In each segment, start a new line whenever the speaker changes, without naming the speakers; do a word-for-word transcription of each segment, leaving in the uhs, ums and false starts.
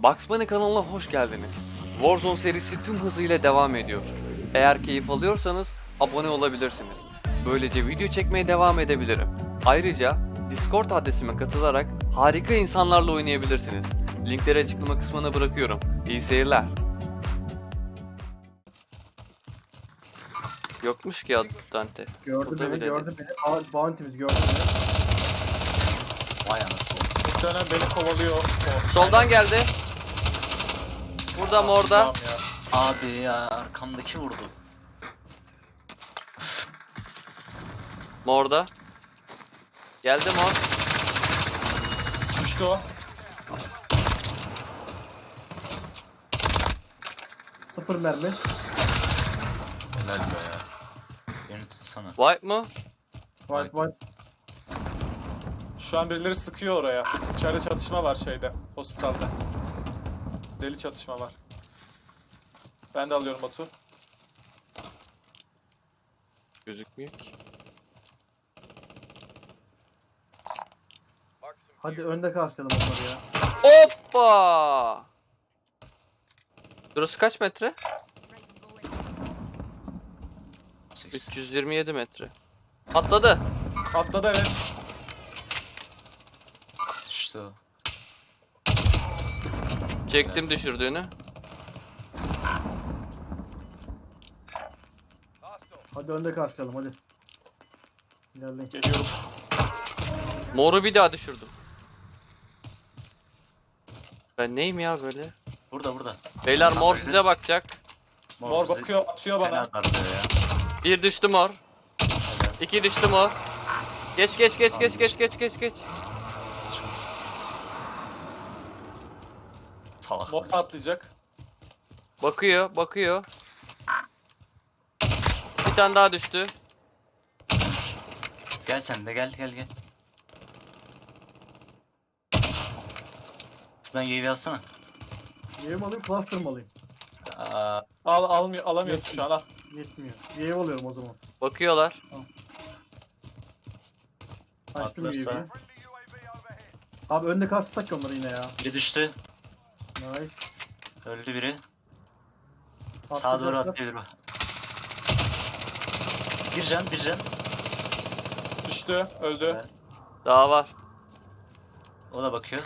Bugs Bunny kanalına hoş geldiniz. Warzone serisi tüm hızıyla devam ediyor. Eğer keyif alıyorsanız abone olabilirsiniz. Böylece video çekmeye devam edebilirim. Ayrıca Discord adresime katılarak harika insanlarla oynayabilirsiniz. Linkleri açıklama kısmına bırakıyorum. İyi seyirler. Yokmuş ki adı Dante.
Gördü
Burada
beni,
bile
gördü beni. Aa, Bounty'miz gördü beni.
Vay anasını.
Muhtemelen beni kovalıyor. O.
Soldan geldi. Burada mı orada?
Tamam ya.
Abi ya arkamdaki vurdu.
Morda. Geldi mor.
Düştü o.
Sıfır mermi.
Helal be ya. Beni tutsana.
Wipe mı?
White white.
Şu an birileri sıkıyor oraya. İçeride çatışma var şeyde. Hospitalde. Deli çatışma var. Ben de alıyorum Batu.
Gözükmüyor ki.
Hadi önde karşılayalım onları ya.
Hoppa! Burası kaç metre?
sekiz.
üç yüz yirmi yedi metre. Atladı.
Atladı evet.
İşte o.
Çektim düşürdüğünü.
Hadi önde karşılayalım hadi. İlerleyin.
Geliyorum.
Moru bir daha düşürdüm. Ben neyim ya böyle?
Burada burada.
Beyler mor size bakacak.
Mor
bizi
bakıyor, atıyor
fena
bana.
darlıyor ya.
Bir düştü mor.
Helal.
İki düştü mor. Geç geç geç geç geç geç geç geç.
Çok iyisin. Salak.
Mor atlayacak.
Bakıyor bakıyor. Bir tane daha düştü.
Gel sen de gel gel gel. Şuradan U A V alsana.
Yave mi alayım, cluster mı alayım?
Aa,
Al almıyor, alamıyorsun şu an. Al.
Yetmiyor. Yave alıyorum o zaman.
Bakıyorlar.
Açtım
atlarsa.
Wave'i. Abi önde karşılasak ki onları yine ya.
Biri düştü.
Nice.
Öldü biri. Sağa doğru
Atlayacaklar.
atlayabilir bak. Bir can bir can.
Düştü, öldü.
Evet.
Daha var.
O da bakıyor.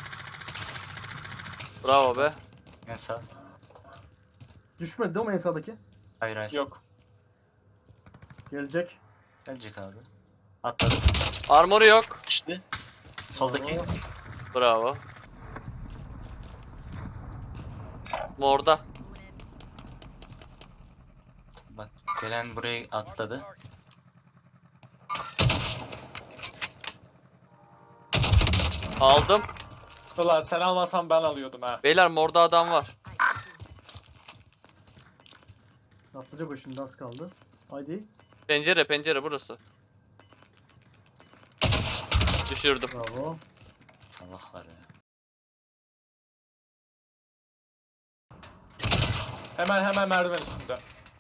Bravo be.
En sağ.
Düşmedi değil mi en sağdaki?
Hayır hayır.
Yok.
Gelecek.
Gelecek abi. Atladı.
Armoru yok.
Düştü. Soldaki.
Bravo. Morda.
Bak gelen buraya atladı.
Aldım.
Ulan sen almasan ben alıyordum ha.
Beyler morda adam var.
Atlayacak o şimdi, az kaldı. Haydi.
Pencere pencere burası. Düşürdüm.
Bravo.
Salaklar ya.
Hemen hemen merdiven üstünde.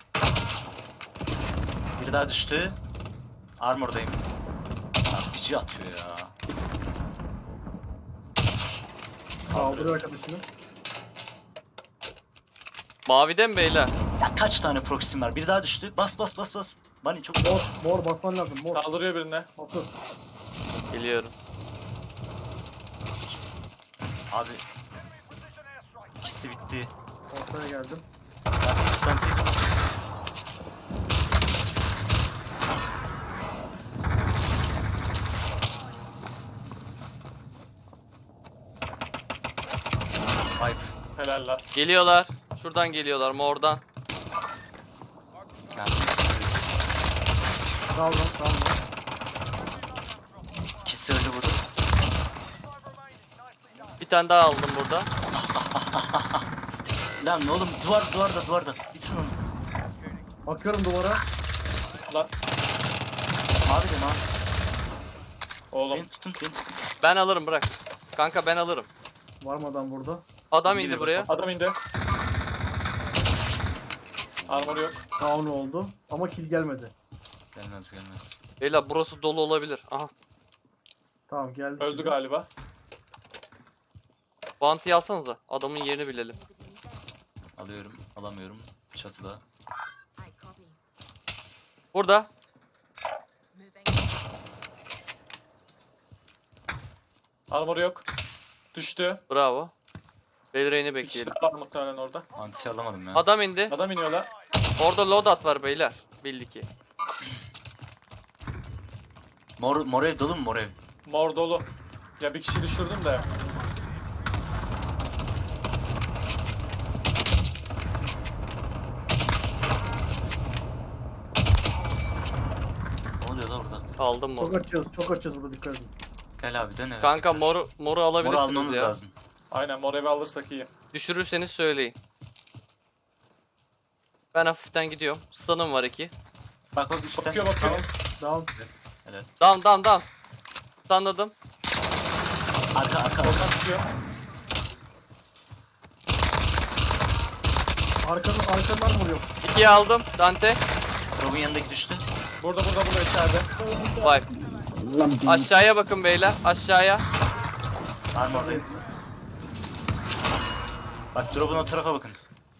Biri daha düştü. Armor'dayım. R P G atıyor ya.
Kaldırıyor arkadaşını.
Mavide mi beyler?
Ya kaç tane proxy'm var? Bir daha düştü. Bas bas bas bas. Bunny çok
Mor, mor basman lazım. Mor.
Kaldırıyor birine.
Otur.
Geliyorum.
Abi. İkisi bitti.
Ortaya geldim.
Ben tek- Vibe.
Helal lan.
Geliyorlar. Şuradan geliyorlar mordan.
Yani
Sağ ol lan, sağ ol lan.
ikisi öldü burada.
Bir tane daha aldım burada.
Lan oğlum duvar duvarda duvarda. Bitirin onu.
Bakıyorum duvara.
Lan.
Mavi de mavi.
Oğlum.
Beni tutun beni tutun.
Ben alırım bırak. Kanka ben alırım.
Var mı adam burada?
Adam
İndi
indi
bir
buraya.
Adam indi. Armor yok.
Down oldu. Ama kill gelmedi.
Gelmez gelmez.
Beyler burası dolu olabilir. Aha.
Tamam geldi.
Öldü galiba.
Bounty'yi alsanıza. Adamın yerini bilelim.
Alıyorum. Alamıyorum. Çatıda.
Burada.
Armor yok. Düştü.
Bravo. Belireyini
Bir kişi
bekleyelim.
daha var muhtemelen orada.
Anti alamadım ya.
Adam indi.
Adam iniyor lan.
Orada loadout var beyler. Belli ki.
Mor, mor ev dolu mu mor ev?
Mor dolu. Ya bir kişi düşürdüm de.
Ne oluyor da burada?
Aldım moru.
Çok açıyoruz, çok açıyoruz burada, dikkat edin.
Gel abi dön eve.
Kanka moru, moru
Mor
alabilirsiniz
almamız
ya.
lazım.
Aynen mor evi alırsak iyi.
Düşürürseniz söyleyin. Ben hafiften gidiyorum. Stun'ım var iki.
Bak bak üstten.
Bakıyor bakıyor.
Down.
Down down down. Stunladım.
Arka arka arka.
Soldan çıkıyor.
Arkanın, arkadan vuruyor.
İkiyi aldım. Dante.
Rob'un yanındaki düştü.
Burada burada burada içeride.
Vay. Aşağıya bakın beyler. Aşağıya.
Armordayım. Bak drop'un o tarafa bakın.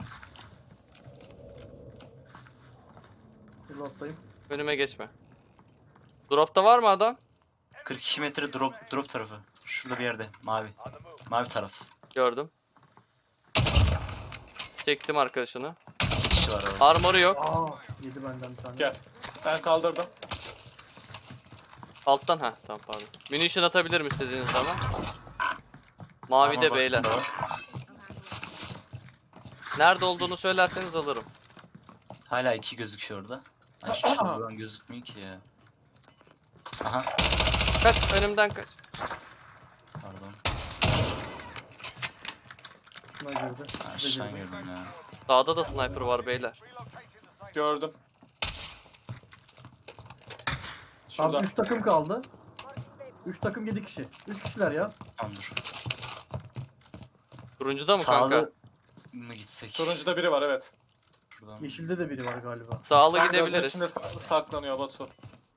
Reload'dayım.
Önüme geçme. Drop'ta var mı adam?
kırk iki metre drop drop tarafı. Şurada bir yerde. Mavi. Mavi taraf.
Gördüm. Çektim arkadaşını.
İki kişi var orada.
Armoru yok.
Aa, yedi benden bir tane.
Gel. Ben kaldırdım.
Alttan ha tamam pardon. Munition atabilirim istediğiniz zaman. Mavi de
Armor
beyler.
box'um da var.
Nerede olduğunu söylerseniz alırım.
Hala iki gözüküyor orada. Ay şu şuradan gözükmüyor ki ya. Aha.
Kaç önümden kaç.
Pardon.
Şuna girdi.
Aşağı
Şuna girdi.
girdim ya.
Sağda da sniper var beyler.
Gördüm. Şurada.
Abi üç takım kaldı. üç takım yedi kişi. üç kişiler ya.
Tamam dur.
Turuncuda mı kanka?
Sağlı mı gitsek?
Turuncuda biri var evet.
Şuradan.
Yeşilde de biri var galiba.
Sağlı
Tam gözün
gidebiliriz.
içinde sa- saklanıyor Batu.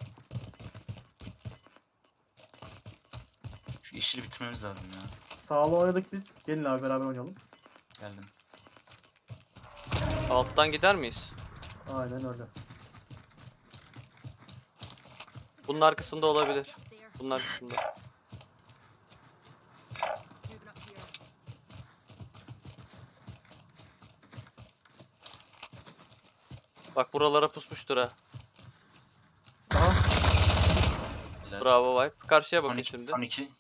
Şu yeşili bitirmemiz lazım ya.
Sağlı oynadık biz. Gelin abi beraber oynayalım.
Geldim.
Alttan gider miyiz?
Aynen öyle.
Bunun arkasında olabilir. Bunun arkasında. Bak buralara pusmuştur ha.
Aha.
Helal.
Bravo Vibe. Karşıya
Son
bakın
iki,
şimdi.
son iki.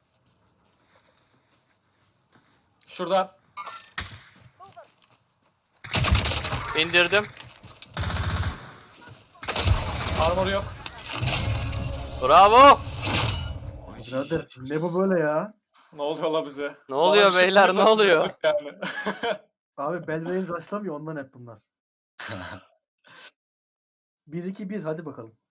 Şurada.
İndirdim.
Armor yok.
Bravo.
Birader ne bu böyle ya?
Ne oluyor la bize?
Ne oluyor
Bana bir şey
beyler, ne
nasıl
oluyor?
sığdık Yani.
Abi Belrain rushlamıyor ondan hep bunlar. bir iki bir hadi bakalım.